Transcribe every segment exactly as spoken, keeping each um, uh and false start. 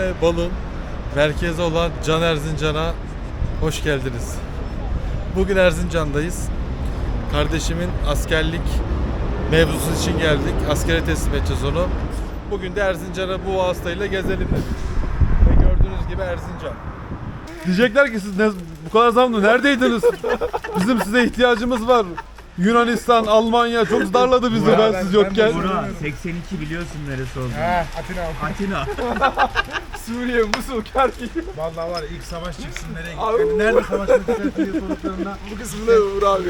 ve balın merkezi olan Can Erzincan'a hoş geldiniz. Bugün Erzincan'dayız. Kardeşimin askerlik mevzusu için geldik. Askere teslim edeceğiz onu. Bugün de Erzincan'a bu vasıtayla gezelim dedik. Ve gördüğünüz gibi Erzincan. Diyecekler ki siz ne, bu kadar zamlı neredeydiniz? Bizim size ihtiyacımız var. Yunanistan, Almanya çok darladı bizi ben, ben siz yokken. Burak seksen iki biliyorsun neresi olduğunu. He, Atina. Atina. Suriye, Musul, Kerkük. Vallahi var ya, ilk savaş çıksın nereye gitti? Nerede savaş çıksın diye sorduklarında Bu kısmında Uğur abi.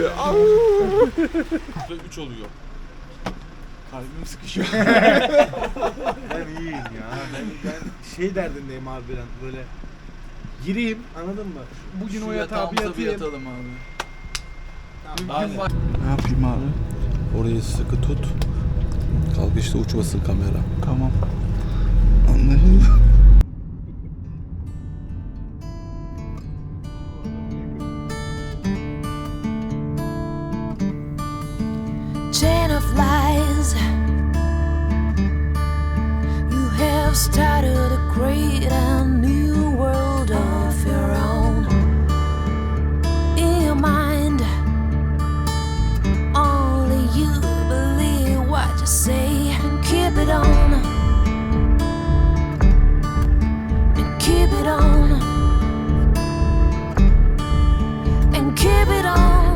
üç oluyor. Kalbim sıkışıyor. ben iyiyim ya. Ben, ben şey derdindeyim abi, ben böyle gireyim, anladın mı? Bugün o yatağa bir yatayım. yatalım abi. Tamam, Ne yapayım abi? Orayı sıkı tut. Kalkışta uçmasın kamera. Tamam. Anlaşıldı. Chain of lies, you have started a great and new world of your own. In your mind, only you believe what you say, and keep it on, and keep it on, and keep it on.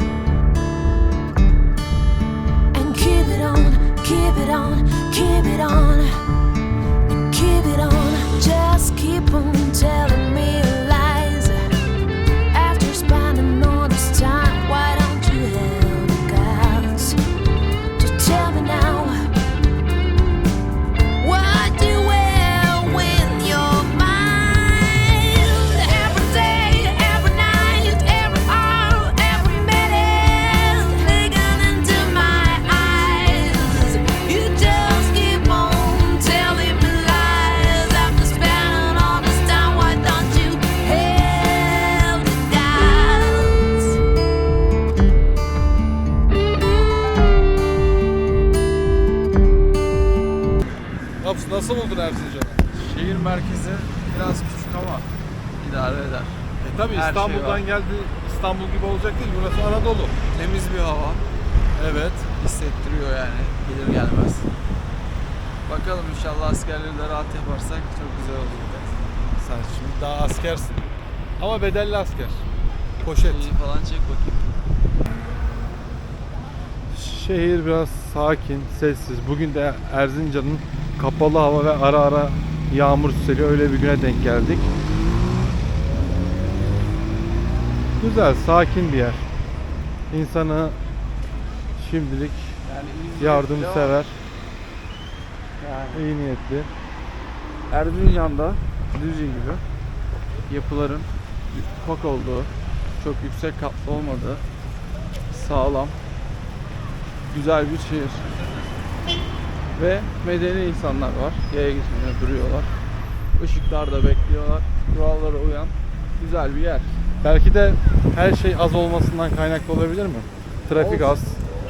Keep it on, keep it on, and keep it on. Just keep on telling me lies. After spending all this time, why don't you have the guts to tell me now what you will win your mind? Every day, every night, every hour, every minute, digging into my eyes. You just keep on telling me lies. After spending all this time, why don't you have the guts? Nasıl, nasıl buldun Erzincan'ı? Şehir merkezi biraz küçük ama idare eder. E tabi Her şey İstanbul'dan var. geldi. İstanbul gibi olacak değil. Burası Anadolu. Temiz bir hava Evet. hissettiriyor yani gelir gelmez. Bakalım inşallah askerleri de rahat yaparsak çok güzel olur. Sen şimdi daha askersin. Ama bedelli asker. Poşet. İyi falan çek bakayım. Şehir biraz sakin, sessiz. Bugün de Erzincan'ın kapalı hava ve ara ara yağmur süseliyor. Öyle bir güne denk geldik. Güzel, sakin bir yer. İnsanı şimdilik Yani iyi yardımsever, Yani iyi niyetli. Erzincan'da Düzce gibi yapıların ufak olduğu, çok yüksek katlı olmadığı, sağlam, güzel bir şehir. Ve medeni insanlar var. Yaya geçmeye duruyorlar. Işıklarda bekliyorlar. Kurallara uyan güzel bir yer. Belki de her şey az olmasından kaynaklı olabilir mi? Trafik Olsun. az.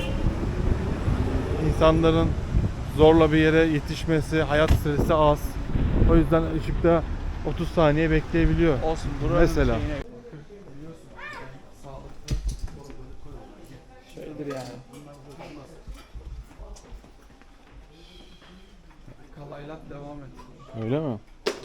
İnsanların zorla bir yere yetişmesi, hayat stresi az. O yüzden ışıkta otuz saniye bekleyebiliyor. Olsun buranın Mesela. şeyine sağlıklı şeydir yani. Kalaylat devam et. Öyle mi?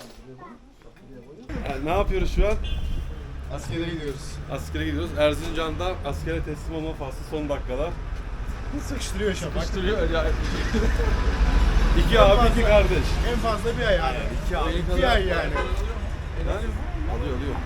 Ne yapıyoruz şu an? askere gidiyoruz. Askere gidiyoruz. Erzincan'da askere teslim olma faslı son dakikalar. Sıkıştırıyor Şafak. Sıkıştırıyor acayip. İki abi, iki kardeş. En fazla bir ay yani. İki ay. İki ay yani. Alıyor, alıyor.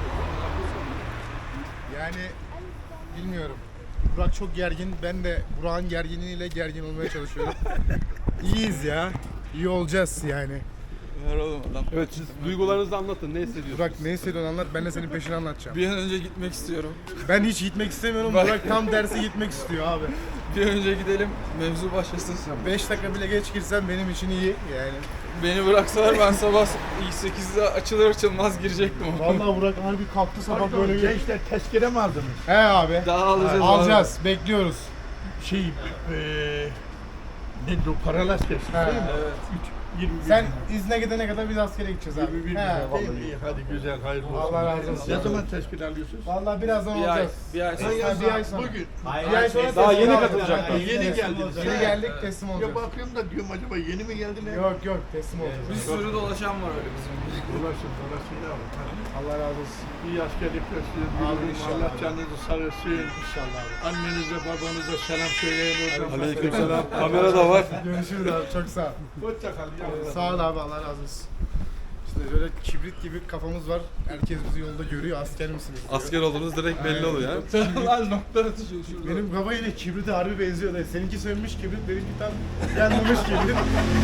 Yani bilmiyorum. Burak çok gergin. Ben de Burak'ın gerginliğiyle gergin olmaya çalışıyorum. İyiyiz ya. İyi olacağız yani. Ver oğlum adam. Evet, siz duygularınızı anlatın. Ne hissediyorsunuz? Burak ne hissediyorsun anlat. Ben de senin peşini anlatacağım. Bir an önce gitmek istiyorum. Ben hiç gitmek istemiyorum. Bak- Burak tam tersi gitmek istiyor abi. Bir an önce gidelim, mevzu başlasın. beş dakika bile geç girsen benim için iyi yani. Beni bıraksalar ben sabah sekizde açılır açılmaz girecektim. Vallahi Burak harbi kalktı sabah böyle bir... Gençler tezkere mi aldınız? He abi. Daha alacağız. Alacağız. Bekliyoruz. Şey, eee ne o paralar tezkere He. değil mi? Evet. Üç, yirmi bir Sen gün. izne gidene kadar biz askere gideceğiz abi. yirmi bir gün. He, Vallahi vallahi. iyi. Hadi güzel, hayırlı olsun. Allah razı olsun. Ne zaman tespit alıyorsunuz? Vallahi birazdan Bir ay, olacağız. bir ay Ha, sonra. bir ay sonra. Bugün. Bir ay sonra Daha teslim yeni olacağız. katılacaklar. Yeni geldiniz. Yeni geldik teslim Ya olacağız. bakıyorum da diyorum acaba yeni mi geldiler? Yok yok teslim olacağız. Bir sürü dolaşan var öyle bizim. Dolaşın dolaşın ne var? Allah razı olsun. İyi askerlikler size Abi diliyorum. inşallah. Allah canınızı sağ olsun. İnşallah abi. Annenize babanıza selam söyleyin oradan. Aleykümselam. Kamera da var. Görüşürüz abi çok sağ ol. Hoşça kal. Ee, Sağ ol abi Allah razı olsun. İşte böyle kibrit gibi kafamız var. Herkes bizi yolda görüyor. Asker misiniz diyor. Asker olduğunuz direkt belli oluyor ya. Lan nokta atışı şurada. Benim kafa yine kibrite harbi benziyor da. Seninki sönmüş kibrit, benimki tam yanmamış kibrit.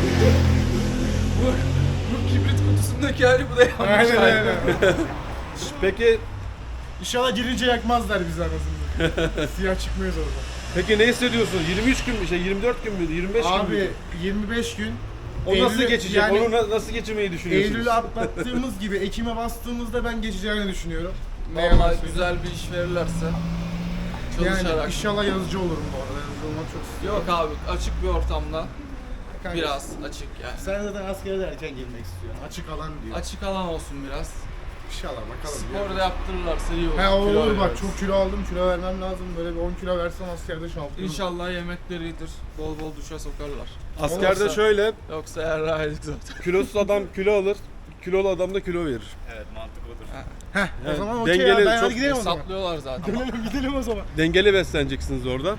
Bu, bu kibrit kutusundaki hali bu da yanmış Aynen hali. aynen. Peki İnşallah girince yakmazlar bizi anasını. Siyah çıkmıyoruz orada. peki ne hissediyorsun? yirmi üç gün mü? Şey yirmi dört gün müydü? yirmi beş gün Abi müydü? yirmi beş gün. O nasıl Eylül'e- geçecek? yani Onu na- nasıl geçirmeyi düşünüyorsunuz? Eylül'ü atlattığımız gibi Ekim'e bastığımızda ben geçeceğini düşünüyorum. Ne yalan Vallahi söyleyeyim. güzel bir iş verirlerse çalışarak. Yani inşallah yazıcı olurum bu arada. Yazıcı olmak çok istiyorum. Yok abi açık bir ortamda Kanka, biraz açık yani. Sen zaten askere de erken girmek istiyorsun. Açık alan diyor. Açık alan olsun biraz. İnşallah bakalım. Spor da yaptırırlarsa iyi olur. He olur Kilo olur bak veririz. çok kilo aldım, kilo vermem lazım. Böyle bir on kilo versem askerde şampiyon. İnşallah yemekleri iyidir. Bol bol duşa sokarlar. Askerde Olursa- şöyle, Yoksa yarrağıydık zaten. kilosuz adam kilo alır, kilolu adam da kilo verir. Heh, o Yani zaman okey dengeli, ya. Ben çok hadi gidelim o zaman. Hesaplıyorlar zaten. Dönelim gidelim o zaman. Dengeli besleneceksiniz orada.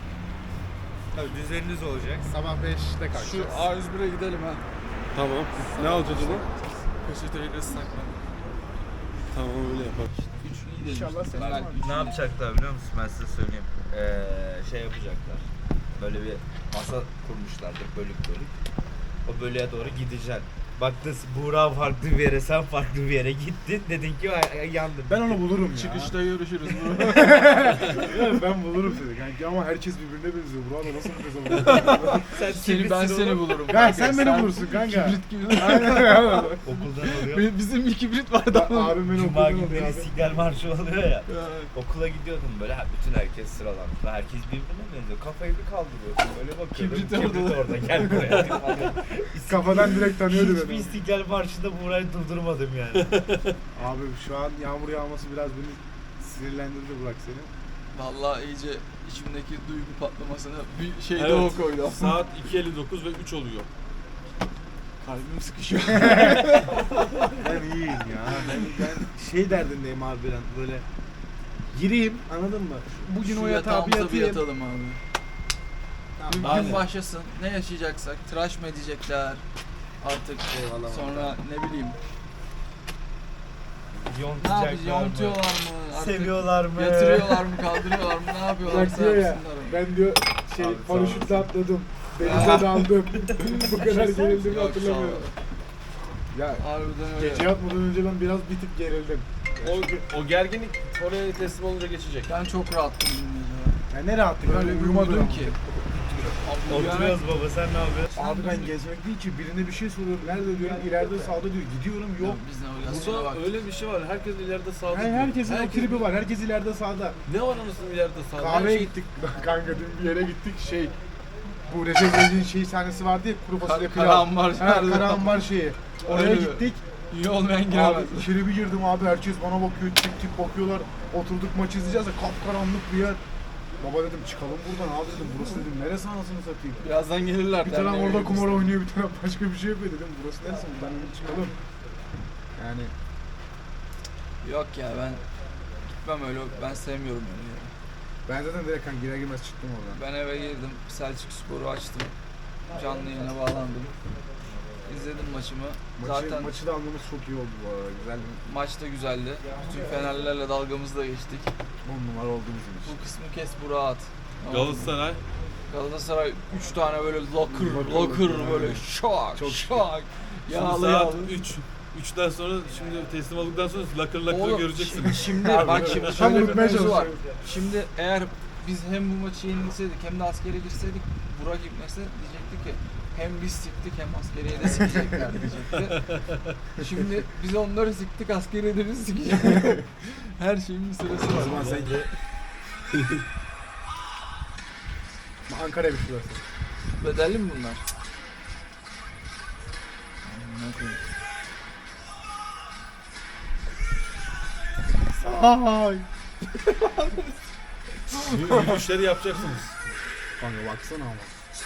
Düzeniniz olacak. Sabah beşte Şu kalkacağız. A yüz bire gidelim ha. Tamam. Ne alacağız onu? Peçeteyle ıslaklar. Tamam öyle yapalım. Üç iyi demiş. İnşallah sen Ben var. üç Ne iyi. yapacaklar biliyor musun? Ben size söyleyeyim. Ee, şey yapacaklar. Böyle bir masa kurmuşlardır bölük bölük. O bölüye doğru gideceksin. Baktın Buğra farklı bir yere, sen farklı bir yere gittin. Dedin ki "Ay, ay, yandım. Ben onu bulurum ya. Çıkışta görüşürüz. Ya ben bulurum seni kanki ama herkes birbirine benziyor. Burada nasıl bir kızım? Sen Seni ben seni bulurum. Ya sen beni bulursun kanka. Kibrit gibi. Aynen öyle. Okuldan oluyor. Bizim bir kibrit vardı ama. Abim beni Cuma okuldan günleri alıyor abi. İstiklal Marşı oluyor ya. Okula gidiyordum böyle, ha, bütün herkes sıralanmış. Ve herkes birbirine benziyor. Kafayı bir kaldırıyorsun böyle bakıyorum. Kibrit Kibrit orada. orada. Gel buraya. Kafadan direkt tanıyordu Hiçbir beni. İstiklal Marşı'nda Buğra'yı durdurmadım yani. Abi şu an yağmur yağması biraz beni sinirlendirdi Burak seni. Vallahi iyice içimdeki duygu patlamasına bir şey de Evet. o koydu. Saat iki elli dokuz ve üç oluyor. Kalbim sıkışıyor. Ben iyiyim ya. Ben, ben şey derdindeyim abi ben böyle gireyim anladın mı? Bugün Şu o yatağa bir yatağımıza bir yatayım. yatalım abi. Bir Tamam, gün başlasın. Ne yaşayacaksak, tıraş mı edecekler artık Eyvallah. sonra ne bileyim. Ne Yontacaklar yapacağız? mı? Yontuyorlar mı? Artık Seviyorlar mı? yatırıyorlar mı? Kaldırıyorlar mı? Ne yapıyorlar? Bak diyor ya ben diyor şey Abi, sağ paraşütle olasın. atladım. Denize daldım. Bu kadar gerildiğimi Yok, hatırlamıyorum. Ya Harbiden öyle. gece yatmadan önce ben biraz bir tık gerildim. O, o gerginlik oraya teslim olunca geçecek. Ben çok rahattım dün gece. Ya ne rahatlık Böyle bir uyumadım uyudum ki. ki. Abi, Oturuyoruz baba, sen ne yapıyorsun? Abi ben gezmek değil ki birine bir şey soruyorum. Nerede diyorum ileride sağda diyor. Gidiyorum yok. Yok. Biz navigasyona Burada bak. öyle bir şey var. Herkes ileride sağda. Yani herkesin o Herkes- tribi var. Herkes ileride sağda. Ne var anasını ileride sağda? Kahveye Her şey- gittik. Kanka dün bir yere gittik şey. Bu Recep İvedik'in şey sahnesi vardı ya kuru fasulye Kar- pilav. Karahambar Ha, nerede? Karahambar şeyi. Oraya Öyle mi? gittik. İyi olmayan Abi giremez. içeri bir girdim abi herkes bana bakıyor tip tip bakıyorlar. Oturduk maç izleyeceğiz de kapkaranlık bir yer. Baba dedim çıkalım buradan abi dedim burası dedim neresi anasını satayım. Birazdan gelirler. Bir taraf derneğe orada geliriz. kumar oynuyor bir taraf başka bir şey yapıyor dedim burası neresi buradan dedim çıkalım. Yani Yok ya ben gitmem öyle. Ben sevmiyorum öyle yeri. ben zaten direkt kan girer girmez çıktım oradan. Ben eve girdim. Selçuk Spor'u açtım. Canlı yayına bağlandım. İzledim maçımı. Maçı, Zaten maçı da almamız çok iyi oldu bu arada güzel bir maç da güzeldi. Bütün Fenerlilerle dalgamızı da geçtik. on numara oldu bizim için. Bu kısmı kes bu rahat. Galatasaray. Galatasaray üç tane böyle locker Locker, locker locker, böyle aynen. şok Çok şok. Şimdi Yağlı saat yağlı. üç. üçten sonra şimdi teslim olduktan sonra lakır lakır Oğlum, göreceksiniz. Şimdi bak şimdi Tam şöyle bir unutmaya mevzu var. çalışıyorum. Şimdi eğer biz hem bu maçı yenilseydik hem de askere girseydik Burak İbnesi diyecekti ki hem biz siktik hem askeriye de sikecekler diyecekti. Şimdi biz onları siktik askeriye de biz sikeceğiz. Her şeyin bir sırası O var. zaman sen Ankara'ya bir şurası. Bedelli mi bunlar? koyayım. Ay. Yürüyüşleri yapacaksınız. Kanka baksana ama.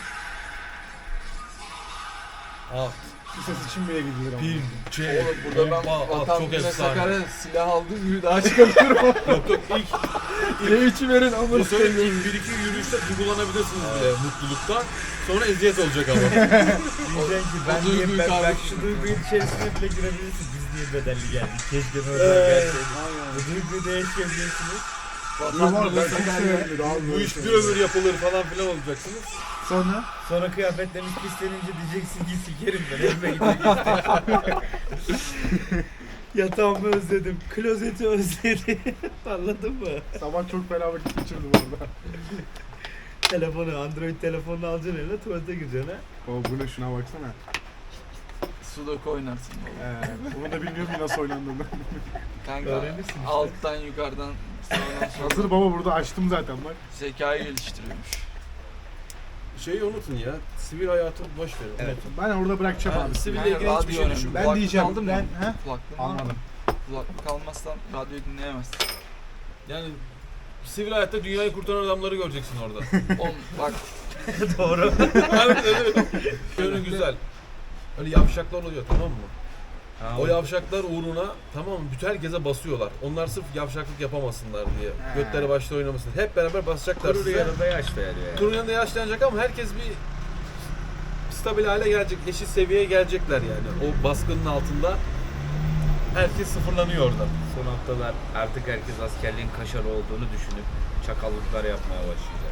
Alt, Bu ses için bile gidilir ama. pin, C, Oğlum burada ben bomba, at, vatan çok güne efsane. Sakarya silah aldım gibi daha çıkamıyorum. Yok yok ilk, İle içi verin ama bu sefer ilk bir iki yürüyüşte duygulanabilirsiniz bile mutluluktan. Sonra eziyet olacak ama. Diyeceksin ki ben, o niye, duyguyu ben, ben kaldık. şu duygunun içerisine bile girebilirsin. Biz niye bedelli geldik? Keşke oradan gelseydik. Bu duyguyu da yaşayabilirsiniz. vatan Var güne ben çok Sakarya. severim abi. Bu iş bir ömür yapılır falan filan olacaksınız. Sonra? Sonra kıyafetleriniz pislenince diyeceksin ki sikerim ben evime gideceğim. Yatağımı özledim, klozeti özledim. Anladın mı? Sabah çok fena vakit geçirdim orada. Telefonu, Android telefonunu alacaksın eline, tuvalete gireceksin ha. O bu ne, şuna baksana. Sudoku oynarsın baba. Ee, onu da bilmiyorum ki nasıl oynandığını. Kanka Öğrenirsin işte. alttan yukarıdan sağdan soldan Hazır baba, burada açtım zaten bak. zekayı geliştiriyormuş. Şeyi unutun ya, sivil hayatı boş verin. Evet. Ben orada bırakacağım Ha, abi. siville Kanka, ilgili hiçbir radyo şey önemli. düşünme. Ben Kulaklık diyeceğim, aldın mı? ben- he? Kulaklığın var mı? Almadım. Kulaklık almazsan radyoyu dinleyemezsin. Yani sivil hayatta dünyayı kurtaran adamları göreceksin orada. Oğlum bak Doğru. Evet evet. Yönü güzel. Öyle yavşaklar oluyor, tamam mı? O yavşaklar uğruna, tamam mı, bütün herkese basıyorlar. Onlar sırf yavşaklık yapamasınlar diye. He. Götleri başta oynamasın. Hep beraber basacaklar Kuru size. yanında yaş veriyor yani. Turun yanında yaşlanacak ama herkes bir stabil hale gelecek, eşit seviyeye gelecekler yani. O baskının altında herkes sıfırlanıyor orada. Son haftalar artık herkes askerliğin kaşarı olduğunu düşünüp çakallıklar yapmaya başlayacak.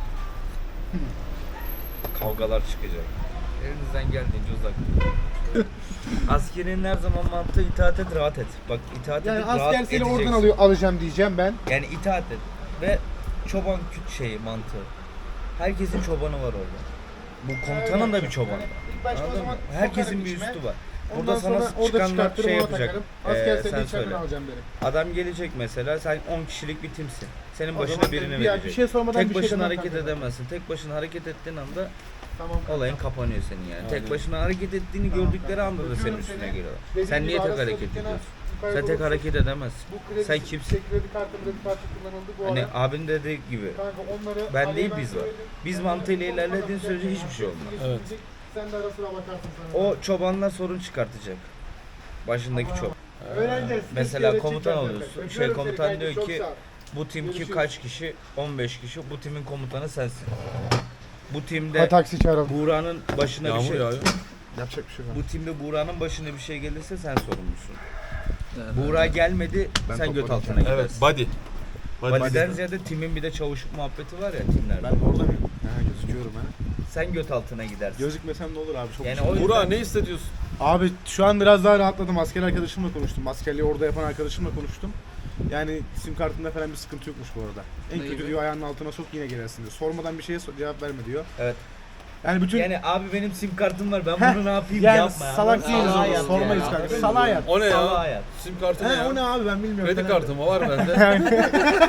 Kavgalar çıkacak. Elinizden geldiğince uzak durun. Askerin her zaman mantığı itaat et, rahat et. Bak itaat Yani edip asker rahat seni oradan edeceksin. alıyor, alacağım diyeceğim ben. Yani itaat et. Ve çoban küt şeyi mantığı. Herkesin çobanı var orada. Bu komutanın da bir çobanı var. İlk başta o Anladın zaman mı? Herkesin sokarım bir içime. üstü var. Ondan Burada sana sonra orada çıkanlar çıkartırım, şey ona yapacak. takarım. Asker Ee, seni sen içeriden söyle. alacağım derim. Adam gelecek mesela, sen on kişilik bir timsin. Senin O başına zaman birini bir- bir verecek. şey sormadan Tek bir şey başına demem hareket kanka. edemezsin. Tek başına hareket ettiğin anda Tamam. olayın kapanıyor senin yani. Aynen. Tek başına hareket ettiğini Tamam, gördükleri tamam. anda da senin Öpüyorum üstüne seni. geliyorlar. Dediğim Sen gibi niye tek arası hareket dükkana ediyorsun? yukarı Sen tek doğru- hareket edemezsin. Bu kredi, Sen kimsin? kredi kartımda bir parça kullanıldı bu Hani ara. abin dediği gibi. Kanka onları Ben araya değil, biz var. söyledim. Biz Ben mantığıyla de- ilerlediğin sürece hiçbir şey olmaz. Evet. Sen de ara sıra bakarsın sana. O çobanlar sorun çıkartacak. Başındaki Ama- çoban. Öğreneceğiz. Mesela Biz komutan öğretecek oluyorsun. zaten. Şey, Öpüyorum komutan seni diyor kanka, ki, çok sağ ol. Bu timki Görüşürüz. kaç kişi? on beş kişi. Bu timin komutanı sensin. Bu timde Ha, taksi çağıralım. Buğra'nın başına bir Yağmur şey yağıyor. Yapacak bir şey yok. Bu timde Buğra'nın başına bir şey gelirse sen sorumlusun. Yani Buğra gelmedi, Ben sen göt topladım. altına gidersin. Evet, body. Validen ziyade timin bir de çavuşluk muhabbeti var ya timlerde. Ben de orada mıyım? Ha, gözüküyorum ha. Sen göt altına gidersin. Gözükmesem ne olur abi, çok Yani şey. o yüzden- Burak ne hissediyorsun? Abi şu an biraz daha rahatladım. Asker arkadaşımla konuştum. Askerliği orada yapan arkadaşımla konuştum. Yani sim kartında falan bir sıkıntı yokmuş bu arada. En Ne kötü gibi? diyor ayağının altına sok yine girersin diyor. Sormadan bir şeye so- cevap verme diyor. Evet. Yani bütün Yani abi benim sim kartım var, ben Heh, bunu ne yapayım yani yapma ya. salak Salağa değiliz orada, yat sormayız yani, kanka. anladın mı? Salağa yat. O ne Salağa ya? yat. Sim kartı ne He, ya? o ne abi, ben bilmiyorum. Kredi falan. kartı mı var bende?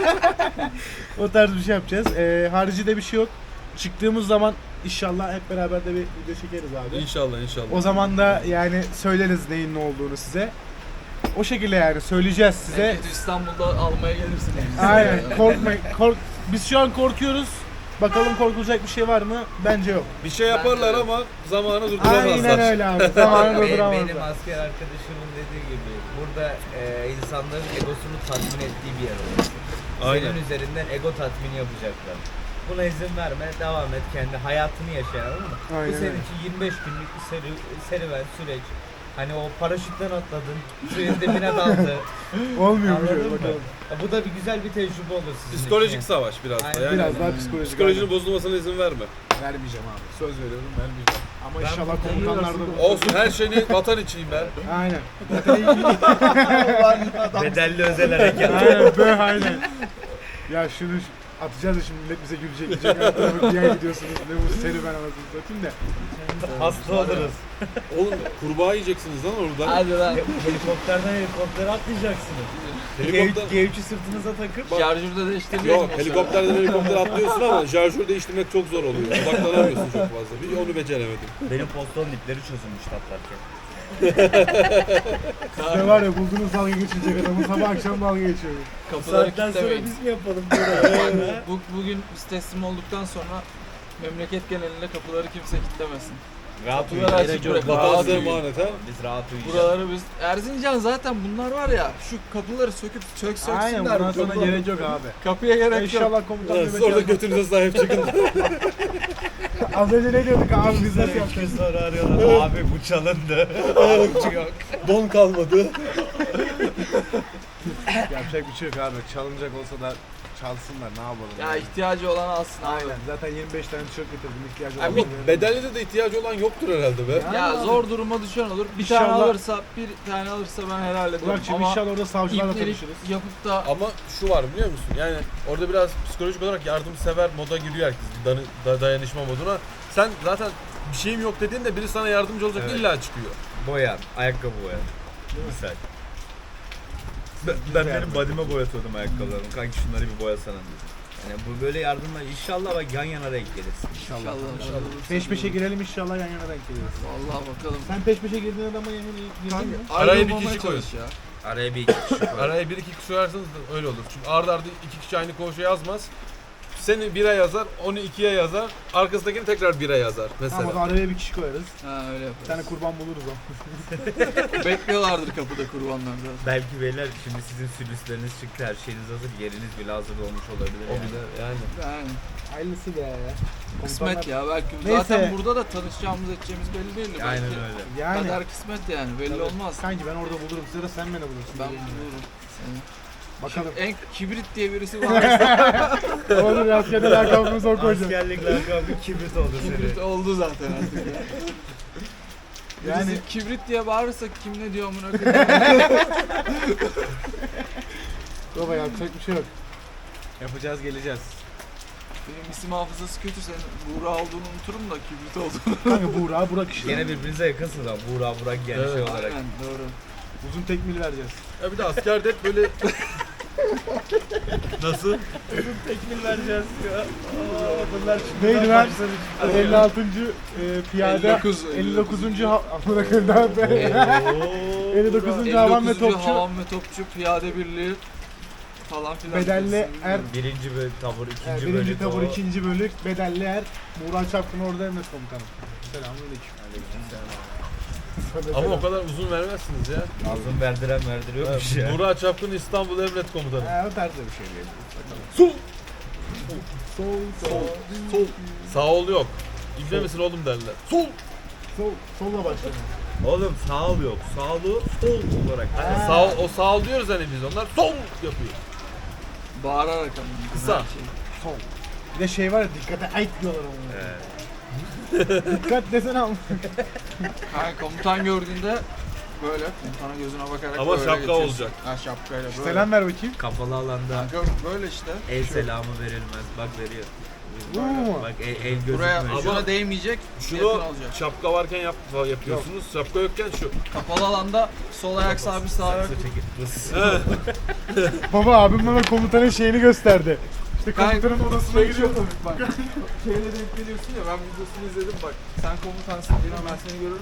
O tarz bir şey yapacağız. Ee, haricinde bir şey yok. Çıktığımız zaman inşallah hep beraber de bir video çekeriz abi. İnşallah inşallah. O zaman da yani söyleriz neyin ne olduğunu size. O şekilde yani söyleyeceğiz size. en kötü İstanbul'da almaya gelirsiniz. Aynen, korkmayın. Kork Biz şu an korkuyoruz. Bakalım korkulacak bir şey var mı? Bence yok. Bir şey yaparlar Bence- ama zamanı durduramazlar. Aynen öyle abi. Zamanı Benim, durduramazlar. benim asker arkadaşımın dediği gibi burada e, insanların egosunu tatmin ettiği bir yer olması. Aynen. Senin üzerinden ego tatmini yapacaklar. Buna izin verme, devam et, kendi hayatını yaşa, anladın mı? Aynen Bu senin öyle. için yirmi beş günlük bir seri, serüven, süreç. Hani o paraşütten atladın, suyun dibine daldı. Olmuyor bu şey. Anladın mı? Bakalım. Ya bu da bir güzel bir tecrübe olur sizin Psikolojik için. savaş biraz da. Aynen. Yani Biraz daha psikolojik. psikolojinin bozulmasına izin verme. Vermeyeceğim abi. Söz veriyorum, vermeyeceğim. Ama Ben inşallah bu komutanlar da... Olsun, her şeyini vatan içiyim ben. Aynen. Bedelli özel harekat. Aynen böyle aynen. Ya şunu atacağız da şimdi millet bize gülecek. Diyecek "Ya, bir yer gidiyorsunuz. Ne bu serüven anasını satayım da. Hasta oluruz. Oğlum kurbağa yiyeceksiniz lan orada. Hadi lan. Helikopterden helikoptere atlayacaksınız. Helikopter- G üç'ü sırtınıza takıp Şarjörde değiştiriyor Yok, helikopterden helikopter atlıyorsun ama şarjör değiştirmek çok zor oluyor. Odaklanamıyorsun çok fazla. Bir onu beceremedim. benim poston dipleri çözülmüş atlarken. Ne var ya buldunuz dalga geçecek adamı sabah akşam dalga geçiyor. Kapıları kilitlemeyin. mi yapalım Bu, bugün biz teslim olduktan sonra memleket genelinde kapıları kimse kilitlemesin. Rahat Kapıları açık bırakın. Vatan Rahat size uyuyun. emanet ha. Biz rahat uyuyacağız. Buraları biz Erzincan zaten bunlar var ya şu kapıları söküp sök söksünler. Aynen bundan sonra Kapıları- gerek yok abi. Kapıya gerek yok. İnşallah komutan Evet, nöbet sonra da yapmaz. götünüze sahip çıkın. Az önce ne diyorduk abi biz nasıl yapacağız? Sonra arıyorlar. Abi bu çalındı. Abi yok. Don kalmadı. Yapacak bir şey yok abi. Çalınacak olsa da çalsınlar ne yapalım. Ya yani. ihtiyacı olan alsın abi. Aynen. Zaten yirmi beş tane tişört getirdim. İhtiyacı olan. Abi, var. Bedelli'de de ihtiyacı olan yoktur herhalde be. Ya abi. zor duruma düşen olur. Bir tane İnşallah- alırsa, bir tane alırsa ben helal ederim. Burak'cığım Ama inşallah orada savcılarla ipnelik tanışırız. yapıp da Ama şu var biliyor musun? Yani orada biraz psikolojik olarak yardımsever moda giriyor herkes. Dan- da- dayanışma moduna. Sen zaten bir şeyim yok dediğinde biri sana yardımcı olacak Evet. illa çıkıyor. Boyan. Ayakkabı boyan. Misal. Ben, ben benim body'me boyatıyordum ayakkabılarımı. Kanki şunları bir boyasana dedim. Yani bu böyle yardımla inşallah bak yan yana renk gelirsin. İnşallah. İnşallah, inşallah. Peş peşe girelim inşallah yan yana denk geliriz. vallahi bakalım. Sen peş peşe girdiğin adama yan yana girdin mi? Araya bir Ayrılmamaya kişi koyun. çalış ya. Araya bir iki kişi koy. Araya bir iki kişi koyarsanız da öyle olur. Çünkü arda arda iki kişi aynı koğuşa yazmaz. Seni bire yazar, onu ikiye yazar, arkasındakini tekrar bire yazar mesela. Ama araya bir kişi koyarız. Ha öyle Bir yaparız. tane kurban buluruz o. Bekliyorlardır kapıda kurbanlar zaten. Belki beyler şimdi sizin sülüsleriniz çıktı, her şeyiniz hazır, yeriniz bile hazır olmuş olabilir. O yani. bile yani. Yani Hayırlısı be ya. kısmet ya belki Neyse. zaten burada da tanışacağımız edeceğimiz belli değil. Belki Aynen öyle. Yani. Kader kısmet yani belli olmaz. Kanki ben orada bulurum. Size de sen beni bulursun. Ben Bilmiyorum. bulurum seni. Bakalım. En kibrit diye birisi var. Olur ya. Askerde lakabımızı o koyacağız. Askerlik lakabı kibrit oldu Kibrit senin. oldu zaten artık ya. Yani- Birisi kibrit diye bağırırsa kim ne diyor amına koyayım. Baba yapacak bir şey yok. Yapacağız geleceğiz. Benim isim hafızası kötü senin Buğra olduğunu unuturum da kibrit olduğunu. Kanka Buğra, Burak işte. Gene birbirinize yakınsınız ama Buğra Burak yani şey Evet. olarak. Aynen doğru. Uzun tekmil vereceğiz. Ya bir de askerde hep böyle... Nasıl? Tekmil vereceğiz ya. Bunlar Neydi lan? elli altıncı e, piyade. elli dokuz, elli dokuzuncu ha- amına koyayım daha be. elli dokuzuncu havan ve elli dokuzuncu topçu. Havan ve Topçu Piyade Birliği falan filan. Bedelli er. Birinci bölük tabur, ikinci Yani bölük. birinci tabur, o. ikinci bölük. Bedelli er. Buğra Çapkın orada emret komutanım. Selamünaleyküm. Ama o kadar uzun vermezsiniz ya. Ağzını verdiren verdiriyormuş ya. Burak Çapkın İstanbul Emret Komutanı. He o tarzda bir şey değil. Sol! Sol, sol, Sol. Sağ ol yok. İbne misin oğlum derler. Sol! sol, solla başlayalım. Oğlum sağ ol yok. Sağlı sol olarak. Ha. Sağ ol, o sağ ol diyoruz hani biz onlar sol yapıyor. Bağırarak ama. Kısa. her şey. Sol. Bir de şey var ya dikkate ait diyorlar ona. Evet. Dikkat desene ama. Kanka komutan gördüğünde böyle komutanın gözüne bakarak Ama böyle şapka geçiyorsun. olacak. Ha şapkayla böyle. Selam ver bakayım. Kapalı alanda Kanka böyle işte. el selamı verilmez. Bak veriyor. Bu mu? Bak el, el Buraya gözükmüyor. şuna değmeyecek. Şunu yakın olacak. şapka varken yap, yapıyorsunuz. Şapka yokken şu. Kapalı alanda sol ayak sabit sağ ayak. Saksı çekip vıs. Baba abim bana komutanın şeyini gösterdi. İşte Kanka, komutanın odasına şey giriyor. çok- Bak şeyle denk geliyorsun ya ben videosunu izledim bak. Sen komutansın diye ben seni görürüm.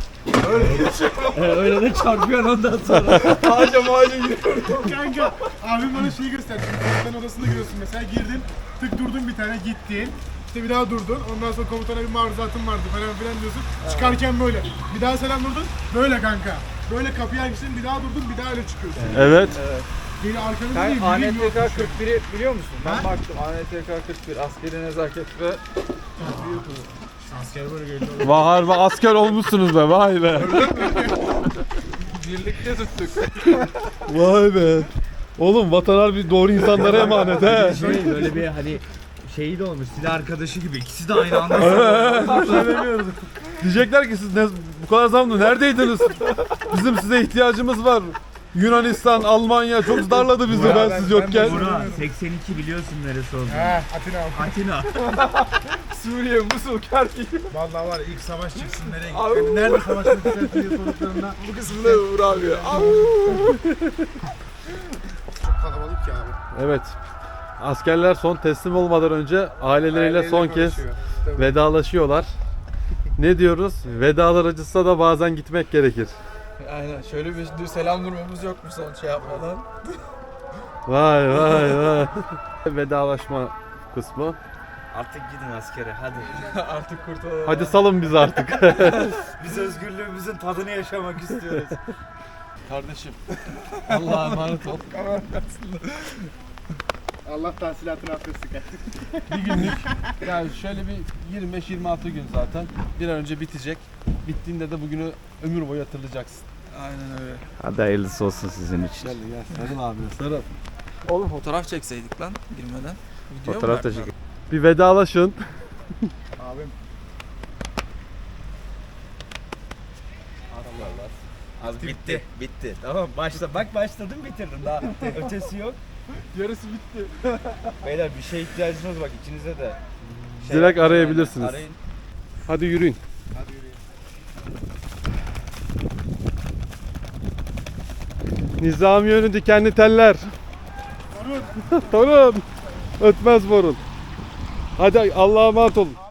Öyle de çarpıyorsun ondan sonra. Ağaca mağaca giriyor. Kanka abim bana şeyi gösterdi. Şimdi komutanın odasına giriyorsun mesela girdin tık durdun bir tane gittin. İşte bir daha durdun. Ondan sonra komutana bir maruzatın vardı falan filan diyorsun. Çıkarken böyle. Bir daha selam durdun. Böyle kanka. Böyle kapıyı açtın bir daha durdun bir daha öyle çıkıyorsun. Evet. Beni arkanızda Sen değil. A N yürüyün T K yokmuş. kırk biri biliyor musun? Ben Ha? baktım A N T K kırk bir askeri nezaket ve Asker böyle geliyor. Vay be asker olmuşsunuz be vay be. birlikte tuttuk. Vay be. Oğlum vatan harbi doğru insanlara emanet he. Şey böyle bir hani şeyi de olmuş. Silah arkadaşı gibi. İkisi de aynı anda. Diyecekler ki siz ne, bu kadar zamanda neredeydiniz? Bizim size ihtiyacımız var. Yunanistan, Almanya çok darladı bizi Ya ben, ben- siz ben yokken. Burak seksen iki biliyorsun neresi olduğunu. He Atina abi. Atina. Suriye, Musul, Kerkük. Vallahi var ya ilk savaş çıksın nereye gittin? Yani nerede savaş çıksın diye sorduklarında Bu kısmında Uğur abi. çok kalabalık ya abi. Evet. Askerler son teslim olmadan önce aileleriyle Aileleriyle son kez konuşuyor. Tabii. vedalaşıyorlar. Ne diyoruz? Vedalar acısa da bazen gitmek gerekir. Aynen şöyle bir dur selam durmamız yok mu son şey yapmadan? Vay vay vay. Vedalaşma kısmı. Artık gidin askere hadi. Artık kurtulalım. Hadi salın bizi artık. Biz özgürlüğümüzün tadını yaşamak istiyoruz. Kardeşim. Allah'a emanet ol. Allah tahsilatını affetsin. Bir günlük yani şöyle bir yirmi beş yirmi altı gün zaten bir an önce bitecek. Bittiğinde de bugünü ömür boyu hatırlayacaksın. Aynen öyle. Hadi hayırlısı olsun sizin için. Gel gel sarıl abi sarıl. Oğlum fotoğraf çekseydik lan girmeden. Video mu Fotoğraf da verdiler? çekin. Bir vedalaşın. Abim. Az bitti. Bitti. Tamam başla. Bak başladım bitirdim. Daha ötesi yok. Yarısı bitti. Beyler bir şeye ihtiyacınız bak ikinize de. Direkt yapın, arayabilirsiniz. Arayın. Hadi yürüyün. Hadi yürüyün. Nizami yönü dikenli teller. Torun. Torun. Ötmez borun. Hadi Allah'a emanet olun.